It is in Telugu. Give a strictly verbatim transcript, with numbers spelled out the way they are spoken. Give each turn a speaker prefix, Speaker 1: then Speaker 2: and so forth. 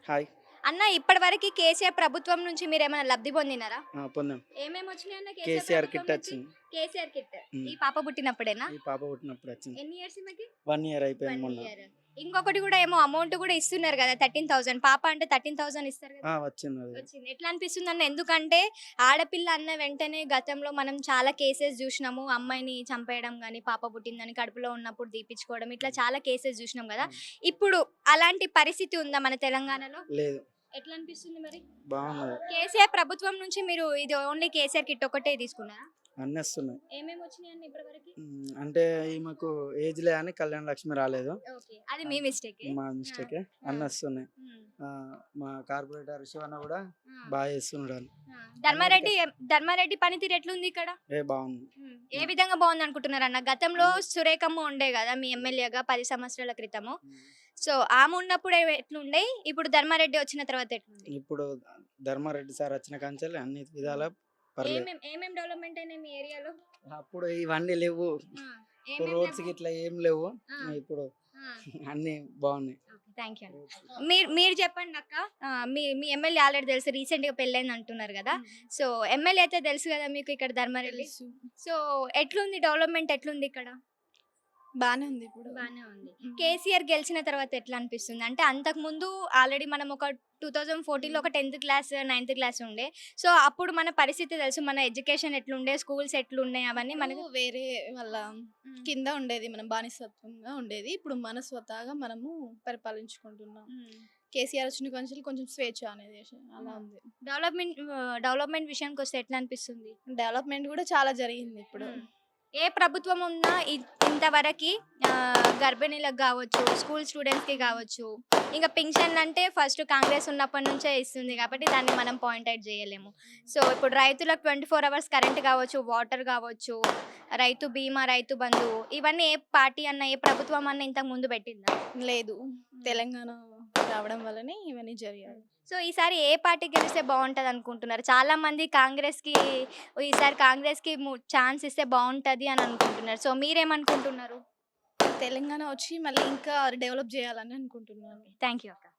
Speaker 1: హాయ్.
Speaker 2: అన్న ఇప్పటివరకు కేసీఆర్ ప్రభుత్వం నుంచి మీరేమైనా లబ్ధి పొందినారా?
Speaker 1: ఆ! పొందాం.
Speaker 2: ఏమేమి వచ్చినాయి అన్న కేసీఆర్
Speaker 1: కేసీఆర్
Speaker 2: ప్రభుత్వం
Speaker 1: కిట్
Speaker 2: నుంచి?
Speaker 1: వచ్చింది.
Speaker 2: KCR kit.
Speaker 1: హ్మ్.
Speaker 2: ఈ పాప పుట్టినప్పుడేనా?
Speaker 1: ఈ పాప పుట్టినప్పుడు వచ్చింది.
Speaker 2: ఎన్ని ఇయర్స్ ఈమెకి?
Speaker 1: వన్ ఇయర్ అయిపోయింది
Speaker 2: వన్
Speaker 1: మొన్న.
Speaker 2: ఇయర్. ఇంకొకటి కూడా ఏమో అమౌంట్ కూడా ఇస్తున్నారు కదా థర్టీన్ థౌసండ్. పాప అంటే థర్టీన్ థౌసండ్ ఇస్తారు
Speaker 1: ఆ!
Speaker 2: కదా.
Speaker 1: వచ్చింది అది.
Speaker 2: వచ్చింది. ఎట్లా అనిపిస్తుంది అన్న? ఎందుకంటే ఆడపిల్ల అన్న వెంటనే గతంలో మనం చాలా కేసెస్ చూసినాము. అమ్మాయిని చంపేయడం గాని, పాప పుట్టిందని కడుపులో ఉన్నప్పుడు తీపిచ్చుకోవడం, ఇట్లా చాలా కేసెస్ చూసినాం కదా.
Speaker 1: హ్మ్.
Speaker 2: ఇప్పుడు అలాంటి పరిస్థితి ఉందా మన తెలంగాణలో?
Speaker 1: లేదు.
Speaker 2: ఎట్లా అనిపిస్తుంది మరి?
Speaker 1: బాగున్నది.
Speaker 2: కేసీఆర్ ప్రభుత్వం నుంచి మీరు ఇది ఓన్లీ కేసీఆర్ కిట్ ఒకటే తీసుకున్నారా?
Speaker 1: అన్నీ వస్తున్నాయి.
Speaker 2: ఏమేమి వచ్చినాయండి ఇప్పటివరకు?
Speaker 1: హ్మ్. అంటే ఈమెకు ఏజ్‌లే అని కళ్యాణ లక్ష్మి రాలేదు.
Speaker 2: ఓకే. అది మీ మిస్టేకే.
Speaker 1: మా మిస్టేకే. అన్నీ వస్తున్నాయి.
Speaker 2: హ్మ్.
Speaker 1: ఆహ్, మా కార్పొరేటర్ శివన్న కూడా
Speaker 2: ఆ.
Speaker 1: బాగా చేస్తున్నాడు అని.
Speaker 2: ఆ. ధర్మారెడ్డి ధర్మారెడ్డి పనితీరు ఎట్లుంది ఇక్కడ?
Speaker 1: ఏ బాగుంది.
Speaker 2: హ్మ్. ఏ విధంగా బాగుంది అనుకుంటున్నారన్న? గతంలో సురేఖమ్మ ఉండే కదా మీ ఎమ్మెల్యేగా పది సంవత్సరాల క్రితము.
Speaker 1: హ్మ్.
Speaker 2: సో ఆమె ఉన్నప్పుడు ఎ- ఎట్లుండే? ఇప్పుడు ధర్మారెడ్డి వచ్చిన తర్వాత ఎట్లుంది?
Speaker 1: ఇప్పుడు ధర్మారెడ్డి సార్ వచ్చిన కాంచెల్లి అన్ని విధాలా పర్లేదు.
Speaker 2: ఏమేం ఏమేం డెవలప్మెంట్ అయినాయి మీ ఏరియాలో?
Speaker 1: అప్పుడు ఇవన్నీ లేవు.
Speaker 2: ఆ.
Speaker 1: ఇప్పుడు
Speaker 2: ఏమేం
Speaker 1: రోడ్స్
Speaker 2: లేవు?
Speaker 1: గిట్లా ఏం లేవు.
Speaker 2: ఆ.
Speaker 1: ఇప్పుడు
Speaker 2: ఆ.
Speaker 1: అన్నీ బాగున్నాయి.
Speaker 2: Thank you. మీరు మీరు చెప్పండి అక్క. ఆ, మీ మీ ఎమ్మెల్యే ఆల్రెడీ తెలుసు, రీసెంట్ గా పెళ్ళైంది అంటున్నారు కదా. సో ఎమ్మెల్యే అయితే తెలుసు కదా మీకు ఇక్కడ ధర్మారెడ్డి.
Speaker 3: తెలుసు.
Speaker 2: సో ఎట్లుంది డెవలప్మెంట్ ఎట్లుంది ఇక్కడ?
Speaker 3: బానే ఉంది ఇప్పుడు.
Speaker 2: బానే ఉంది.
Speaker 3: మ్మ్.
Speaker 2: కేసీఆర్ గెలిచిన తర్వాత ఎట్లా అనిపిస్తుంది అంటే, అంతకు ముందు ఆల్రెడీ మనం ఒక టూ థౌజండ్ ఫోర్టీన్ లో ఒక టెన్త్ క్లాస్ నైన్త్ క్లాస్ ఉండే. సో అప్పుడు మన పరిస్థితి తెలుసు, మన ఎడ్యుకేషన్ ఎట్లుండే, స్కూల్స్ ఎట్లున్నాయి అవన్నీ మనకు.
Speaker 3: మనకు వేరే వాళ్ళ కింద ఉండేది, మనం బానిసత్వంగా ఉండేది. ఇప్పుడు మన స్వతహాగా మనము పరిపాలించుకుంటున్నాం. కేసీఆర్ వచ్చిన కొంచెం కొంచెం స్వేచ్ఛ అనేది అలా ఉంది.
Speaker 2: డెవలప్మెంట్ డెవలప్మెంట్ విషయానికి వస్తే ఎట్లా అనిపిస్తుంది?
Speaker 3: డెవలప్మెంట్ కూడా చాలా జరిగింది ఇప్పుడు.
Speaker 2: ఏ ప్రభుత్వం ఉన్నా ఇ- ఇంతవరకు ఆ, గర్భిణీలకు కావచ్చు, స్కూల్ స్టూడెంట్స్కి కావచ్చు, ఇంకా పింఛన్ అంటే ఫస్ట్ కాంగ్రెస్ ఉన్నప్పటి నుంచే ఇస్తుంది కాబట్టి దాన్ని మనం పాయింట్ అవుట్ చేయలేము. సో ఇప్పుడు రైతులకు ట్వంటీ ఫోర్ అవర్స్ కరెంట్ కావచ్చు, వాటర్ కావచ్చు, రైతు బీమా, రైతు బంధు, ఇవన్నీ ఏ పార్టీ అన్న ఏ ప్రభుత్వం అన్న ఇంతకు ముందు పెట్టిందా?
Speaker 3: లేదు, తెలంగాణ రావడం వల్లనే ఇవన్నీ జరిగాయి.
Speaker 2: సో ఈసారి ఏ పార్టీ గెలిస్తే బాగుంటుంది అనుకుంటున్నారు? చాలా మంది కాంగ్రెస్కి, ఈసారి కాంగ్రెస్కి ఛాన్స్ ఇస్తే బాగుంటుంది అని అనుకుంటున్నారు. సో మీరేమనుకుంటున్నారు?
Speaker 3: తెలంగాణ వచ్చి మళ్ళీ ఇంకా డెవలప్ చేయాలని అనుకుంటున్నాను.
Speaker 2: థ్యాంక్ యూ అక్క.